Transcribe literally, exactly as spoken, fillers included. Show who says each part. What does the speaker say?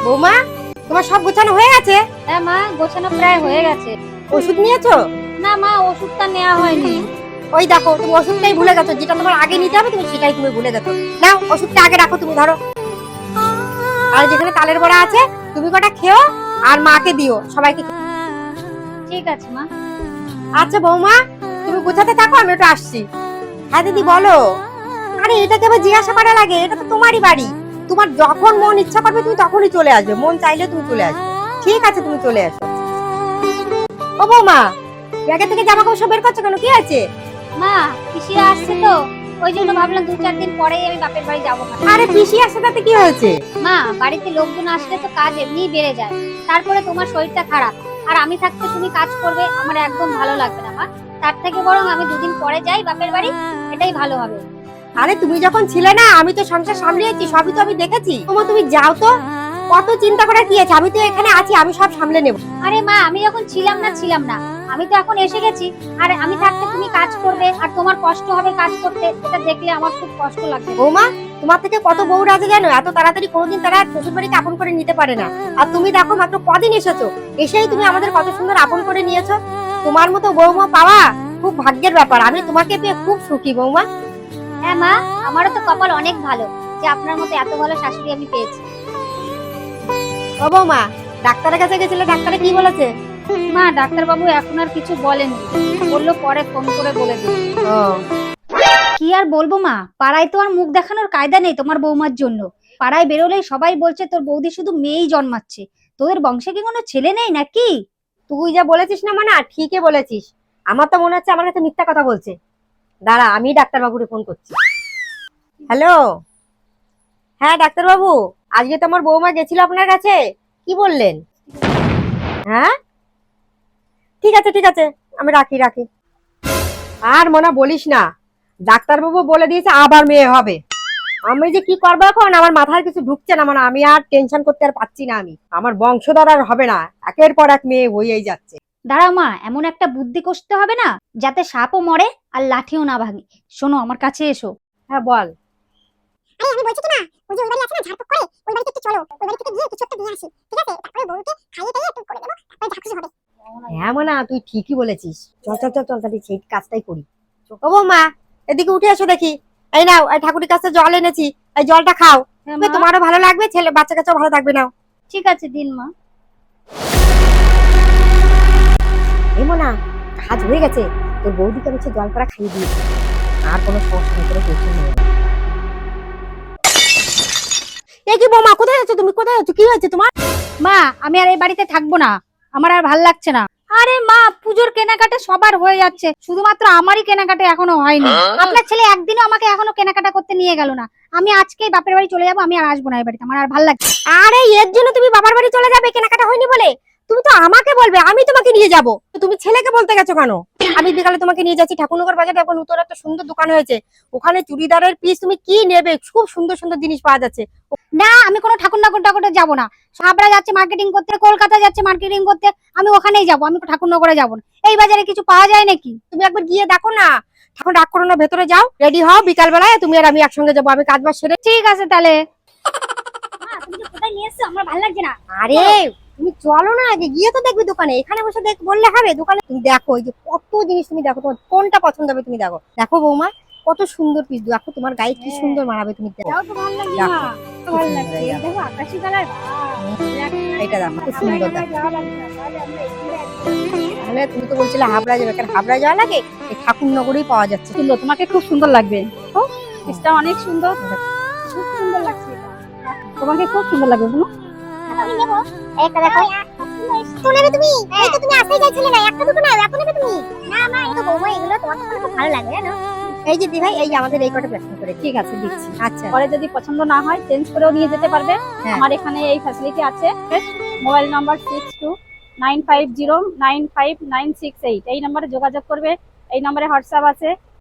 Speaker 1: বৌমা, তোমার সব গোছানো হয়ে গেছে?
Speaker 2: হ্যাঁ মা, গোছানো প্রায় হয়ে গেছে।
Speaker 1: ওষুধ নিয়েছো?
Speaker 2: না মা, ওষুধটা নেওয়া হয়নি।
Speaker 1: ওই দেখো, তুমি ওষুধটাই ভুলে গেছো, যেটা তোমার আগে নিতে হবে তুমি সেটাই তুমি ভুলে গেছো। নাও, ওষুধটা আগে রাখো, তুমি ধরো। আর যেখানে তালের বড়া আছে তুমি কটা খেও, আর মাকে দিও, সবাইকে।
Speaker 2: ঠিক আছে মা।
Speaker 1: আচ্ছা বৌমা, তুমি গোছাতে থাকো, আমি একটু আসছি। হ্যাঁ দিদি বলো। আরে এটাকে আবার জিজ্ঞাসা করা লাগে? এটা তো তোমারই বাড়ি, তোমার যখন মন ইচ্ছা করবে তুমি তখনই চলে আসবে, মন চাইলে তুমি চলে আসবে। ঠিক আছে, তুমি চলে আসো। ও বৌমা, ব্যাগে থেকে জামা কাপড় সব বের করছো কেন, কি আছে?
Speaker 2: মা, পিসিরা আসছে তো, ওই জন্য ভাবলাম দু চার দিন পরেই আমি বাপের বাড়ি যাবো।
Speaker 1: আরে পিসি আসছে তাতে কি হয়েছে?
Speaker 2: মা, বাড়িতে লোকজন আসলে তো কাজ এমনিই বেড়ে যায়, তারপরে তোমার শরীরটা খারাপ, আর আমি থাকতে তুমি কাজ করবে, আমার একদম ভালো লাগবে না মা। তার থেকে বরং আমি দুদিন পরে যাই বাপের বাড়ি, এটাই ভালো হবে।
Speaker 1: আরে তুমি যখন ছিলে না, আমি তো সংসার সামলিয়েছি, সবই তো আমি দেখেছি। তোমার তুমি যাও তো, কত চিন্তা করার কি আছে? আমি তো এখানে আছি, আমি সব সামলে নেব।
Speaker 2: আরে মা, আমি যখন ছিলাম না ছিলাম না, আমি তো এখন এসে গেছি, আর আমি থাকতে তুমি কাজ করবে, আর তোমার কষ্ট হবে কাজ করতে, এটা দেখলে আমার খুব কষ্ট লাগবে।
Speaker 1: বৌমা, তোমার থেকে কত বউ রাজে জানো? এত তাড়াতাড়ি কোনোদিন তারা শ্বশুর বাড়িতে আপন করে নিতে পারে না। আর তুমি দেখো মাত্র কদিন এসেছো, এসেই তুমি আমাদের কত সুন্দর আপন করে নিয়েছো। তোমার মতো বৌমা পাওয়া খুব ভাগ্যের ব্যাপার। আমি তোমাকে পেয়ে খুব সুখী বৌমা।
Speaker 2: হ্যাঁ মা, আমারও তো কপাল অনেক ভালো যে আপনার মতো এত ভালো শাশুড়ি আমি পেয়েছি।
Speaker 1: ও বৌমা, ডাক্তারের কাছে গেছিলে, ডাক্তারে কি বলেছে?
Speaker 2: মা, ডাক্তার বাবু এখন আর কিছু বলেনি, বললো পরে ফোন করে বলে দিই।
Speaker 1: ও
Speaker 2: কি আর বলবো মা, পাড়ায় তো আর মুখ দেখানোর কায়দা নেই তোমার বৌমার জন্য। পাড়ায় বেরোলেই সবাই বলছে তোর বৌদি শুধু মেয়েই জন্মাচ্ছে, তোদের বংশে কি কোনো ছেলে নেই নাকি?
Speaker 1: তুই যা বলেছিস না মানে ঠিকই বলেছিস। আমার তো মনে হচ্ছে আমার কাছে মিথ্যা কথা বলছে। দাঁড়া, আমি ডাক্তার বাবুকে ফোন করছি। হ্যালো, হ্যাঁ ডাক্তার বাবু, আজকে তো আমার বৌমা গেছিল আপনার কাছে, কি বললেন? হ্যাঁ ঠিক আছে ঠিক আছে, আমি রাখি রাখি। আর মনে বলিস না, ডাক্তার বাবু বলে দিয়েছে আবার মেয়ে হবে। আমি যে কি করবো এখন, আমার মাথায় কিছু ঢুকছে না, মানে আমি আর টেনশন করতে আর পাচ্ছি না। আমি আমার বংশধর আর হবে না, একের পর এক মেয়ে হয়েই যাচ্ছে।
Speaker 2: দাঁড়াও মা, এমন একটা বুদ্ধি করতে হবে না যাতে সাপও মরে আর লাঠিও না ভাঙে। শোনো, আমার কাছে এসো।
Speaker 1: হ্যাঁ বল।
Speaker 3: আরে আমি বলছি কি মা, ওই যে ওই বাড়ি আছে না ঝাড়ফুঁক করে, ওই বাড়িতে একটু চলো, ওই বাড়ি থেকে গিয়ে কিছু একটা নিয়ে আসি, ঠিক আছে? তারপরে বউকে খাইয়ে টাইয়ে একটু করে দেবো, তারপরে যা খুশি হবে।
Speaker 1: হ্যাঁ মানে তুই ঠিকই বলেছিস, চল চল চল চল তাহলে সেই কাজটাই করি। ও বৌমা, এদিকে উঠে এসো দেখি। এই নাও, এই ঠাকুরের কাছে জল এনেছি, এই জলটা খাও,
Speaker 2: হ্যাঁ মা।
Speaker 1: তোমারও ভালো লাগবে, ছেলে বাচ্চা কাচ্চাও ভালো থাকবে। নাও।
Speaker 2: ঠিক আছে, দিন মা।
Speaker 1: এমো না, কাজ হয়ে গেছে, তোর বৌদিকে হচ্ছে জল করা খাইয়ে দিয়েছি, আর কোনো সমস্যা নেই, কোনো টেনশন নেই। এই কি বৌমা, কোথায় যাচ্ছ তুমি? কোথায় যাচ্ছ? কি হয়েছে তোমার?
Speaker 2: মা, আমি আর এই বাড়িতে থাকবো না, আমার আর ভাল লাগছে না। আরে মা, পুজোর কেনাকাটা সবার হয়ে যাচ্ছে, শুধুমাত্র আমারই কেনাকাটা এখনো হয়নি। আপনার ছেলে একদিনও আমাকে এখনো কেনাকাটা করতে নিয়ে গেল না। আমি আজকেই বাপের বাড়ি চলে যাবো, আমি আর আসবো না এই বাড়িতে, আমার আর ভাল লাগছে।
Speaker 1: আরে এর জন্য তুমি বাবার বাড়ি চলে যাবে কেনাকাটা হয়নি বলে? তুমি তো আমাকে বলবে, আমি তোমাকে নিয়ে যাব। তুমি ছেলেকে বলতে গেছো কেন? আমি বিকালে তোমাকে নিয়ে যাচ্ছি ঠাকুরনগর বাজারে, এখন নতুন একটা সুন্দর দোকান হয়েছে, ওখানে চুড়িদারের পিস তুমি কি নেবে, খুব সুন্দর সুন্দর জিনিস পাওয়া যাচ্ছে।
Speaker 2: না, আমি কোনো ঠাকুরনগর টাকুরে যাবো না। সাবরা যাচ্ছে মার্কেটিং করতে, কলকাতা যাচ্ছে মার্কেটিং করতে, আমি ওখানেই যাবো, আমি ঠাকুরনগরে যাবো না। এই বাজারে কিছু পাওয়া যায় নাকি?
Speaker 1: তুমি একবার গিয়ে দেখো না। এখন রাগ করো না, ভেতরে যাও, রেডি হও, বিকাল বেলায় তুমি আর আমি একসঙ্গে যাবো, আমি কাজ বাজ সেরে।
Speaker 2: ঠিক আছে তাহলে। মা, তুমি যে কোথায় নিয়ে এসছো, আমার ভালো লাগছে না।
Speaker 1: আরে তুমি চলো না, আগে গিয়ে তো দেখবে দোকানে, এখানে বসে দেখ বললে হবে? দোকানে তুমি দেখো, এই যে কত জিনিস তুমি দেখো, তোমার কোনটা পছন্দ হবে তুমি দেখো। দেখো বৌমা, কত সুন্দর পিস, দেখো তোমার গায়ে কি সুন্দর মানাবে, তুমি দেখো।
Speaker 2: এটাও তো ভালো লাগছে মা, ভালো লাগছে। এই দেখো আকাশি কালার,
Speaker 1: এটা দেখো খুব সুন্দর দেখো।
Speaker 2: যাওয়া লাগবে না, তাহলে আমরা এখানে
Speaker 1: তাহলে তুমি তো বলছিলে হাবড়া যাবে, কারণ হাবড়া যাওয়া লাগে, এই ঠাকুরনগরেই পাওয়া যাচ্ছে।
Speaker 2: সুন্দর, তোমাকে খুব সুন্দর লাগবে। ও, পিসটা অনেক সুন্দর, খুব সুন্দর লাগছে এটা। তোমাকে খুব সুন্দর লাগবে বুনু।
Speaker 3: আমি নেব একটা, দেখো তো নেবে তুমি? এই তো তুমি আসতেই চাইছিলে না, একটা দুটো নাও, এখন নেবে তুমি? না মা, এই তো বৌমা, এগুলো তোমার তো খুব ভালো লাগে জানো।
Speaker 1: এই যে দিভাই, এই যে আমাদের এই কটা পছন্দ করে।
Speaker 2: ঠিক আছে, দিচ্ছি।
Speaker 1: আচ্ছা,
Speaker 2: পরে যদি পছন্দ না হয় চেঞ্জ করেও নিয়ে যেতে পারবে।
Speaker 1: হ্যাঁ।
Speaker 2: আমার এখানে এই ফ্যাসিলিটি আছে। Mobile number six two nine five zero nine five nine six eight, এই নম্বরে যোগাযোগ করবে। এই নম্বরে হোয়াটসঅ্যাপ আছে,